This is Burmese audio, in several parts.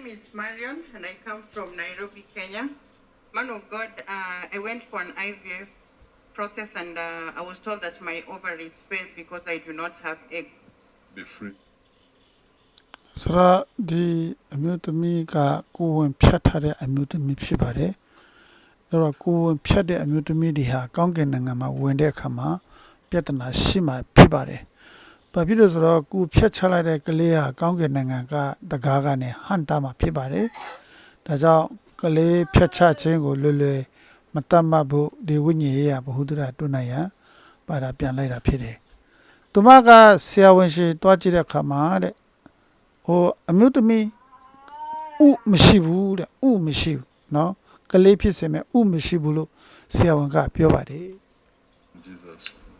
name is Marion and I come from Nairobi, Kenya. Man of God, I went for an IVF process and I was told that my ovaries failed because I do not have eggs. Be free. ဆိုတော့ဒီအမျိုးသမီးကကိုယ်ဝင်ဖြတ်ထားတဲ့အမျိုးသမီးဖြစ်ပါတယ်။အဲ့တော့ကိုယ်ဝင်ဖြတ်တဲ့အမျိုးသမီးတွေဟာကောင်းကင်နိုင်ငံမှာဝင်တဲ့အခါမှာပြဿနာရှိမှဖြစ်ပါတယ်။ဘာဖြစ်လို့ဆိုတော့ကိုယ်ဖြတ်ချလိုက်တဲ့ကလေးဟာကောင်းကင်နိုင်ငံကတကားကနေဟန်တာမှာဖြစ်ပါတယ်။ဒါကြောင့်ကလေးဖြတ်ချခြင်းကိုလွယ်လွယ်မတတ်မှတ်ဖို့ဒီဝိညာဉ်ရေးရဘ ഹു ဒရာတွန်းနိုင်ရန်ပါတာပြန်လိုက်တာဖြစ်တယ်။သူမကဆရာဝန်ရှိတွားကြည့်တဲ့အခါမှာတဲ့ဟိုအမျိုးသမီးဥမရှိဘူးတဲ့ဥမရှိဘူးเนาะကလေးဖြစ်စင်မဲ့ဥမရှိဘူးလို့ဆရာဝန်ကပြောပါတယ် Jesus.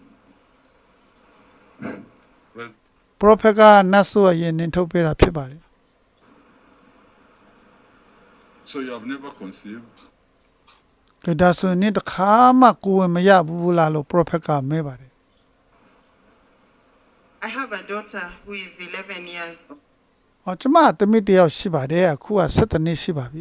prophet ကနတ်ဆိုရဲ့နင်ထုတ်ပေးတာဖြစ်ပါတယ် So you have never conceived? ဒါဆိုရင်တခါမှကိုယ်ဝင်မရဘူးလားလို့ prophet ကမဲပါတယ် I have a daughter who is 11 years old. ဟောကျမတမိတယောက်ရှိပါတယ်အခုက17နှစ်ရှိပါပြီ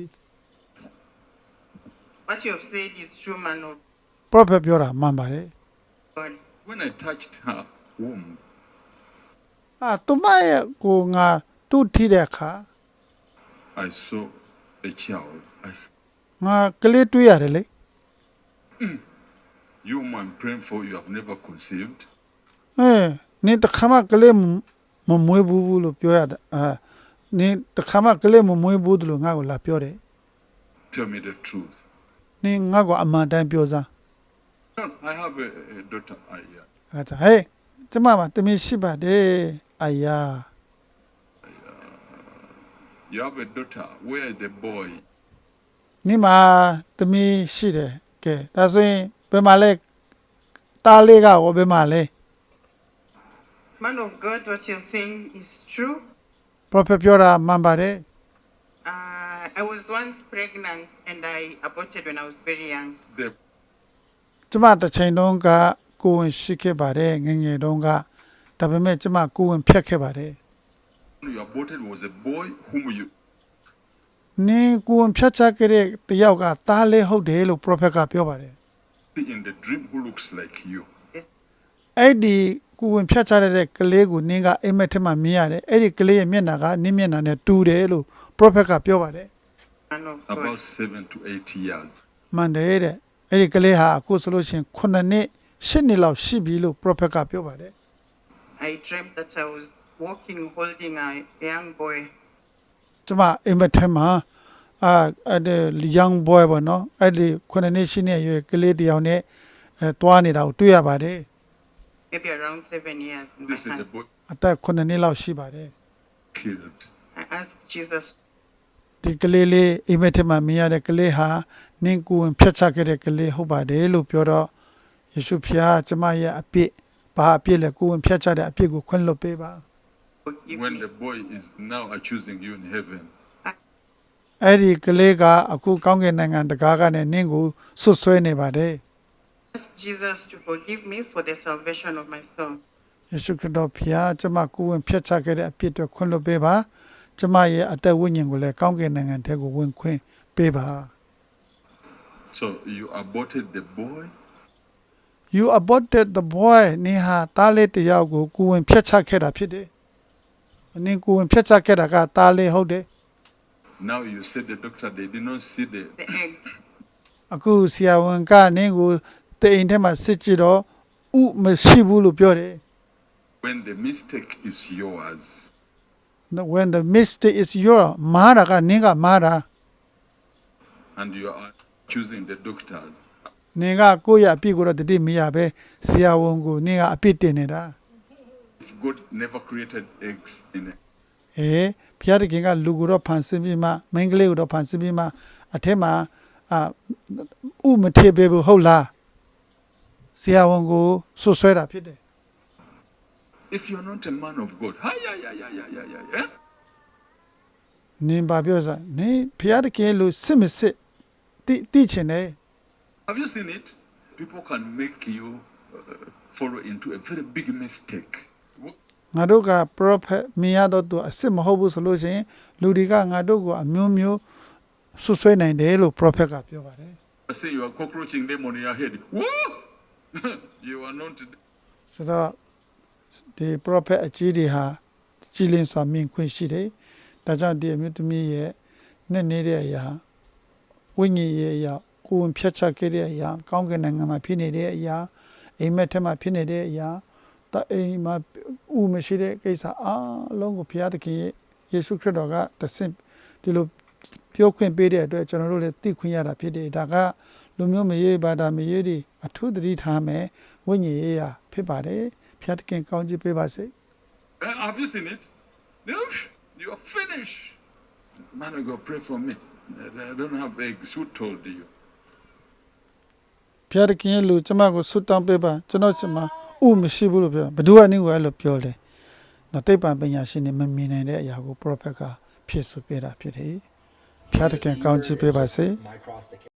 What you have said is true, man of prophet ပြောတာမှန်ပါတယ် God. When I touched her womb, သူမရဲ့ကိုငါတူးထိတဲ့အခါ I saw a child. I said, ငါကလေးတွေ့ရတယ်လေ you whom I'm praying for, you have never conceived. နင်တခါမှကလေးမမွေးဘူးလို့ပြောရတယ်နင်တခါမှကလေးမမွေးဘူးလို့ငါ့ကိုလာပြောတယ် Tell me the truth. နင်ငါ့ကိုအမှန်တိုင်းပြောစမ်း No, I have a daughter. Yeah. အဲ့ဒါဟေးကျမမှာတမင်ရှိပါတယ်အာယာ You have a daughter. Where is the boy? နင်မှာတမင်ရှိတယ်ကဲဒါဆိုရင်ဘယ်မှာလဲတားလေးကဘယ်မှာလဲ Man of God, what you're saying is true. prophet ပြောတာမှန်ပါတယ် I was once pregnant and I aborted when I was very young. The ကျမတစ်ချိန်တုန်းကကိုယ်ဝင်ရှိခဲ့ပါတယ်ငယ်ငယ်တုန်းကဒါပေမဲ့ကျမကိုယ်ဝင်ဖြတ်ခဲ့ပါတယ် one you aborted was a boy whom you နင်ကိုယ်ဝင်ဖြတ်ချခဲ့တဲ့တယောက်ကတားလေးဟုတ်တယ်လို့ prophet ကပြောပါတယ် see in the dream who looks like you. အဲ့ဒီကိုယ်ဝင်ဖြတ်ချတဲ့ကလေးကိုနင်ကအိမ်မက်ထဲမှာမြင်ရတယ်အဲ့ဒီကလေးရဲ့မျက်နှာကနင်မျက်နှာနဲ့တူတယ်လို့ prophet ကပြောပါတယ် Man of God. About 7 to 8 years. မှန်တယ်တဲ့အဲ့ဒီကလေးဟာအခုဆိုလို့ရှိရင်9နှစ်10နှစ်လောက်ရှိပြီလို့ prophet ကပြောပါတယ် I dreamt that I was walking holding a young boy. ကျမအိမ်မက်ထဲမှာအဲ့ဒီ young boy ပေါ့နော်အဲ့ဒီ9နှစ်10နှစ်အရွယ်ကလေးတစ်ယောက်နဲ့တွားနေတာကိုတွေ့ရပါတယ် Maybe around 7 years. In my This is the hand. boy အသက်9နှစ်လောက်ရှိပါတယ် killed. I asked Jesus ဒီကလေးလေးအိမ်မက်ထဲမှာမြင်ရတဲ့ကလေးဟာနင်ကိုယ်ဝင်ဖြတ်ချခဲ့တဲ့ကလေးဟုတ်ပါတယ်လို့ပြောတော့ယေရှုဖျားကျမရဲ့အပြစ်ဘာအပြစ်လဲကိုယ်ဝင်ဖြတ်ချတဲ့အပြစ်ကိုခွင့်လွှတ်ပေးပါ forgive When me. the boy is now accusing you in heaven, အဲ့ဒီကလေးကအခုကောင်းကင်နိုင်ငံတကားကနေနင့်ကိုဆွတ်ဆွဲနေပါတယ် Ask Jesus to forgive me for the salvation of my soul. ယေရှုခရစ်တော်ဖျားကျမကိုယ်ဝင်ဖြတ်ချခဲ့တဲ့အပြစ်တွေခွင့်လွှတ်ပေးပါကျမရဲ့အသက်ဝိညာဉ်ကိုလည်းကောင်းကင်နိုင်ငံထဲကိုဝင်ခွင့်ပေးပါ so you aborted the boy. You aborted the boy နင်ဟာတားလေးတစ်ယောက်ကိုကိုယ်ဝင်ဖြတ်ချခဲ့တာဖြစ်တယ်နင်ကိုယ်ဝင်ဖြတ်ချခဲ့တာကတားလေးဟုတ်တယ် Now you said the doctor they did not see the The eggs. အခုဆရာဝန်ကနင်ကိုတိမ်ထဲမှာစစ်ကြည့်တော့ဥမရှိဘူးလို့ပြောတယ် when the mistake is yours. when the mistake is your မာတာကနင်ကမာတာ And you are accusing the doctors. နင်ကကိုယ့်ရဲ့အပြစ်ကိုတော့တတိမရပဲဆရာဝန်ကိုနင်ကအပြစ်တင်နေတာ If God never created eggs in it, ဖျားတခင်ကလူကိုတော့ဖန်ဆင်းပြီးမှမိန်းကလေးကိုတော့ဖန်ဆင်းပြီးမှအထက်မှာဥမထေပေးဘူးဟုတ်လားဆရာဝန်ကိုဆွဆွဲတာဖြစ်တယ် if you're not a man of God, hi, eh? နင်ဘာပြောစားနင်ဖျားတခင်လူစစ်မစစ်တိချင်တယ် Have you seen it? People can make you follow into a very big mistake. ငါတို့က prophet မြင်ရတော့သူအစ်စ်မဟုတ်ဘူးဆိုလို့ရှိရင်လူတွေကငါတို့ကိုအမျိုးမျိုးဆွဆွဲနိုင်တယ်လို့ prophet ကပြောပါတယ် I say you are cockroaching them on your head. Whoa! You are not. ဆိုတော့ဒီ prophet အကြီးတွေဟာကြည်လင်စွာမြင်ခွင့်ရှိတယ်ဒါကြောင့်ဒီအမျိုးသမီးရဲ့နဲ့နေတဲ့အရာဝိညာဉ်ရဲ့အရာကိုယ်ဝင်ဖြတ်ချခဲ့တဲ့အရာကောင်းကင်နိုင်ငံမှာဖြစ်နေတဲ့အရာအိမ်မက်ထဲမှာဖြစ်နေတဲ့အရာတအိမ်မှာဥမရှိတဲ့ကိစ္စအားလုံးကိုဘုရားသခင်ရဲ့ယေရှုခရစ်တော်ကတဆင့်ဒီလိုပြောခွင့်ပေးတဲ့အတွက်ကျွန်တော်တို့လည်းသိခွင့်ရတာဖြစ်တယ်ဒါကလူမျိုးမရေးဘာသာမရေးတွေအထူးသတိထားမယ်ဝိညာဉ်ရေးရာဖြစ်ပါတယ်ဘုရားသခင်ကောင်းချီးပေးပါစေ Have you seen it? No, you are finished. Man of God, pray for me. I don't have eggs. Who told you? ဘုရားသခင်ရဲ့လူကျမကိုဆုတောင်းပေးပါကျွန်တော်ကျမဥမရှိဘူးလို့ပြောဘယ်သူကနေကိုအဲ့လိုပြောလဲနော်တိတ်ပံပညာရှင်တွေမမြင်နိုင်တဲ့အရာကို prophet ကဖြစ်ဆိုပေးတာဖြစ်တယ်ဘုရားသခင်ကောင်းချီးပေးပါစေ My cross to